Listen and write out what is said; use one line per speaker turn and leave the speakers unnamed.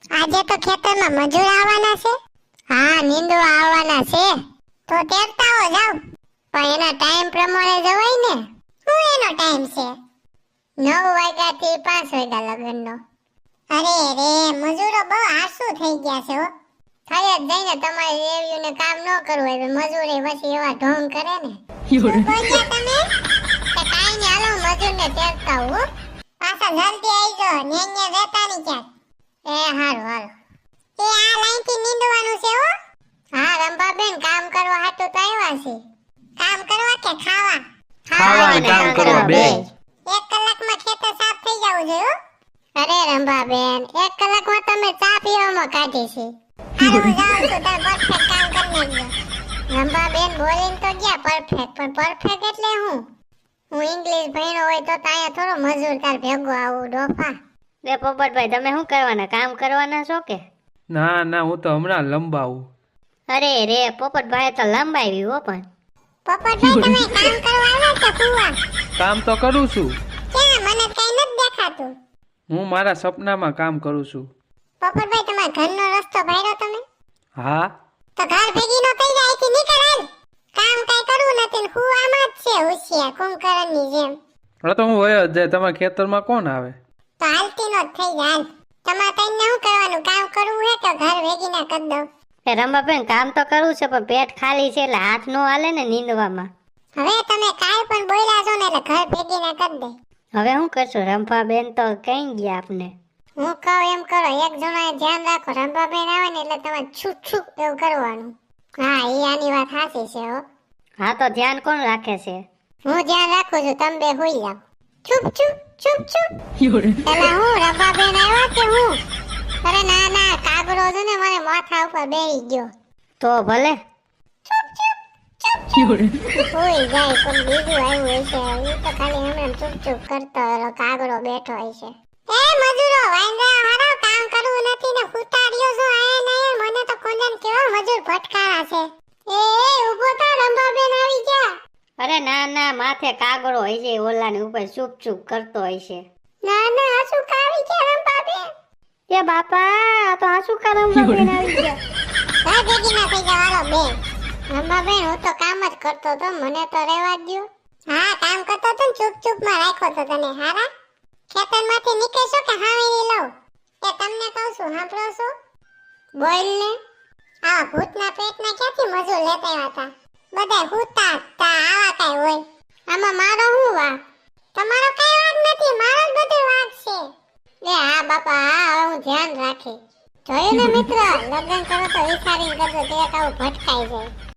આજે તો ખેતરમાં મજૂર આવવાના છે. હા, નીંદવા આવવાના છે. તો તેરતા હો જાવ. પણ એના ટાઈમ પ્રમાણે જવાય ને. શું એનો ટાઈમ છે? 9 વાગ્યાથી 5 વાગ્યા લગનનો. અરે રે, મજૂરો બહુ આળસુ થઈ ગયા છે હો. થઈ જ જઈને તમારે રેવ્યુને કામ ન કરવું હોય મજૂરે પછી એવા ઢોંગ કરે ને. શું બોલ્યા તમે? કે કાઈ ને હાલો મજૂરને તેરતા હો. પાછા જલ્દી આવી જાઓ, ન્યા રહેતા ની ક્યાંક. એ હારું હારું. એ આ લાઈનથી નીંદવાનું છે હો. હા રંભાબેન, કામ કરવા હાટુ તો આવ્યા છે. કામ કરવા કે ખાવા?
ખાવા ને કામ કરવા બે.
1 કલાકમાં ખેતર સાફ થઈ જવું જોઈએ હો. અરે રંભાબેન, 1 કલાકમાં તમે ચા પીવામાં કાઢી છે. હારું જાઉં છું, તમે પરફેક્ટ કામ કરી લેજો. રંભાબેન બોલીને તો ગયા પરફેક્ટ, પણ પરફેક્ટ એટલે હું ઇંગ્લિશ ભણ્યો હોય તો અહીંયા થોડો મજૂર તાર ભેગો આવું ડોફા.
લે પોપટભાઈ, તમે શું કરવાના? કામ કરવાના છો કે?
ના ના, હું તો હમણાં લંબાવું.
અરે રે પોપટભાઈ તો લંબાવી હો. પણ
પોપટભાઈ તમે કામ કરવા આવ્યા છો કુવા?
કામ તો કરું છું.
ક્યાં? મને કઈ નથી દેખાતું.
હું મારા સપનામાં કામ કરું છું.
પોપટભાઈ તમારા ઘરનો રસ્તો ભાડ્યો તમે?
હા.
તો ઘર ભેગી નો થઈ જાય કે નીકળ હાલ. કામ કઈ કરવું નથી ને હું આમાં જ છે હોશિયાર કુંભકર્ણની જેમ.
હવે તો હું વયો જ જાય. તમારા ખેતરમાં કોણ આવે?
તો હાલતી નો જ થઈ જાય. તમારે કઈ શું કરવાનું? કામ કરવું હે તો ઘર ભેગી ના કરી દઉં.
એ રંભાબેન, કામ તો કરવું છે પણ પેટ ખાલી છે એટલે હાથ નો હાલે ને નીંદવામાં.
હવે તમે કાલ પણ બોલ્યા છો ને એટલે ઘર ભેગી ના કરી દે.
હવે શું કરશું? રંભાબેન તો કઈ ગયા આપને.
હું કહું એમ કરો, એક જણાએ ધ્યાન રાખો. રંભાબેન આવે ને એટલે તમારે છૂપ છૂપ એવું કરવાનું. હા, એ આની વાત સાચી છે હો.
હા તો ધ્યાન કોણ રાખે છે?
હું ધ્યાન રાખું છું, તમે બે હોઈ જાવ. ચૂપ ચૂપ ચૂપ ચૂપ. પેલા હું રંભાબેન આવ્યા કે હું? અરે ના ના, કાગડો છે ને મને માથા ઉપર બેહી ગયો.
તો ભલે.
ચૂપ ચૂપ ચૂપ ચૂપ. હોઈ જાય પણ બીજું આવ્યું હશે. એ તો ખાલી હમણાં ચૂપ ચૂપ કરતો એલો કાગડો બેઠો હશે. એ મજૂરો વાંદરા હારો, કામ કરવું નથી ને ઉતાર્યો છો આયા ને મને તો કોંદન કેવો મજૂર ભટકારા છે. એ ઊભો થા, રંભાબેન આવી ગયા.
અરે ના ના, માથે કાગડો હોય છે, ઓલાની ઉપર ચૂપ ચૂપ કરતો હોય છે.
ના ના, હસુ કાવી ગયા રંભાબેન.
એ બાપા, આ તો આ શું કામ રંભાબેન આવી ગયા?
ઘર ભેગી ના થઈ જવાનો બે. રંભાબેન, હું તો કામ જ કરતો તો, મને તો રહેવા દ્યો. હા, કામ કરતો તો ને ચૂપ ચૂપ માં રાખ્યો તો તને. હારા ખેતરમાંથી નીકળશો કે હાવેરી લઉં? એ તમને કહું છું, સાંભળો છો? બોલ ને. આ ભૂતના પેટના ક્યાંથી મજૂર લેતા આવ્યા હતા? બધા હુતા તા આવા કઈ હોય. આમાં મારો શું વાંક? તમારો કઈ વાંક નથી, મારો જ બધો વાંક છે. લે હા બાપા, હા હવે હું ધ્યાન રાખી. જોયું ને મિત્ર, લગ્ન કરો તો વિચારીને કરજો, તે આવું ભટકાઈ જાય.